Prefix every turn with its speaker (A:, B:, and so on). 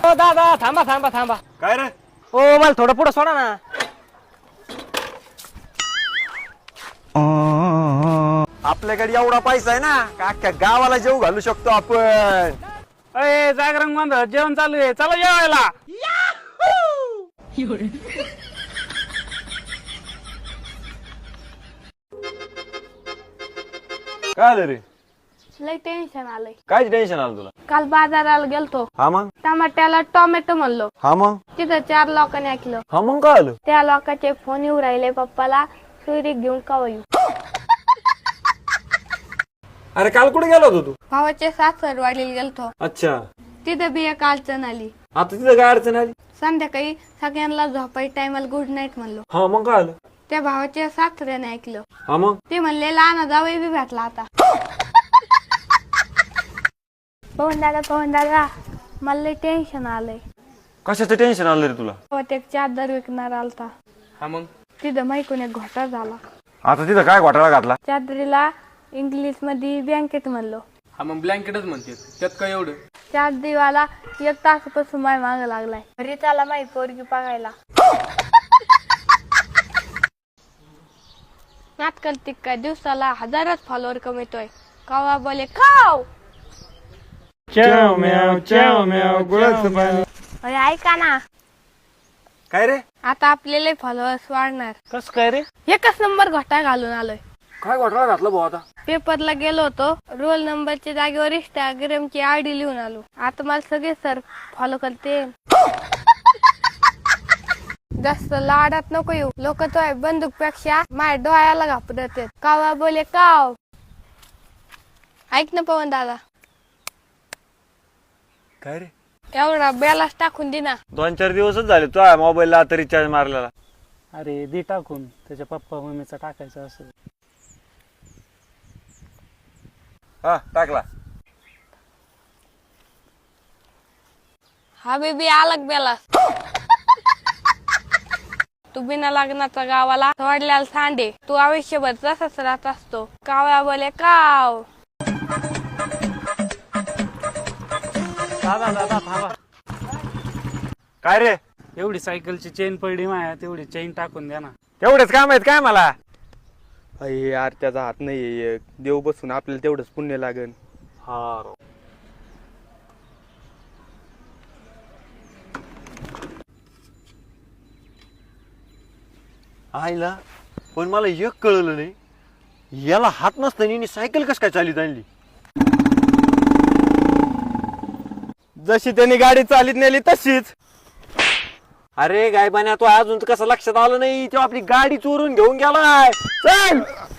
A: हो दादा थांबा थांबा थांबा.
B: काय रे?
A: हो मला थोडं पुढं सोडा ना.
B: आपल्याकडे एवढा पैसा आहे ना का अख्ख्या गावाला जेव घालू शकतो आपण.
C: अरे जागरण गोंधळ जेवण चालू आहे, चला जेवायला.
B: काय आलं रे?
D: लय टेन्शन आलंय.
B: काय टेन्शन आलं तुला?
D: काल बाजाराला गेलतो,
B: हा मग
D: टमाट्याला टोमॅटो म्हणलो,
B: हा मग
D: तिथं 4 लोकांनी ऐकलं.
B: हा मग काय आलं?
D: त्या लोकांचे फोन येऊ राहिले पप्पाला, सुरी घेऊन कवा येऊ.
B: अरे काल कुठे गेला होता तू?
D: भावाचे सासरवाडीला गेलतो,
B: अच्छा,
D: तिथं बी एक अडचण आली.
B: आता तिथं काय अडचण आली?
D: संध्याकाळी सगळ्यांना झोपाई टायमाला गुड नाईट म्हणलो.
B: हा मग काय आलं?
D: त्या भावाच्या सासऱ्याने ऐकलं,
B: हा मग
D: ते म्हणले लहान जावई बी भेटला आता. पवन दादा मला लय टेन्शन आलंय.
B: कशाचं टेन्शन आलं रे तुला?
D: ते चादर विकणार आलता,
C: हा मग
D: तिथं माहिकून एक घोटाळा झाला.
B: आता तिथं काय घोटाळा घातला?
D: चादरीला इंग्लिश मध्ये ब्लँकेट म्हणलो.
C: हा मग ब्लँकेटच म्हणते, त्यात काय एवढं.
D: चादरीवाला 1 तासापासून माय माग लागलाय. घरी त्याला माही पोरगी बघायला. नाटकल तिक्का दिवसाला 1000 फॉलोअर कमवतोय. कावा बोले काव.
C: च्याव म्याव गुळाचं पाणी.
D: अरे ऐका ना,
B: काय रे?
D: आता आपल्याला फॉलोअर्स वाढणार.
C: कस काय रे?
D: एकच नंबर घोटाळा घालून आलोय.
B: काय घोटाळा घातला भाऊ आता?
D: पेपरला गेलो होतो, रोल नंबरच्या जागेवर इंस्टाग्रामची आयडी लिहून आलो. आता मला सगळे सर फॉलो करते. जास्त लाडात नको येऊ, लोक तो बंदूक पेक्षा माझ्या डोळ्याला घाबरत. कावा बोले काव. ऐक ना पवन दादा,
B: काय रे?
D: एवढा बेलास टाकून दे ना.
B: 2-4 दिवसच झाले तुझ्या मोबाईलला आता रिचार्ज मारलेला.
C: अरे दे टाकून, त्याच्या पप्पा मम्मीचा टाकायचं असं.
B: हा टाकला.
D: हा बेबी आलग बेलास. तू बिना लग्नाचा गावाला सोडल्याला सांडे. तू आयुष्यभर तसाच राहत असतो. कावया बोले काव.
C: दादा दादा थांबा.
B: काय रे?
C: एवढी सायकलची चेन पडली माया, तेवढी चेन टाकून द्या ना.
B: तेवढेच काम आहेत काय मला?
E: अरे यार त्याचा हात नाही, देव बसून आपल्याला तेवढंच पुण्य लागेल.
B: हा आईला पण मला एक कळलं नाही, याला हात नसताना सायकल कस काय चालीत आणली?
E: जशी त्यांनी गाडी चालीत नेली तशीच.
B: अरे गायबान्या, तो अजून तर कसं लक्षात आलं नाही, तो आपली गाडी चोरून घेऊन गेलाय. चल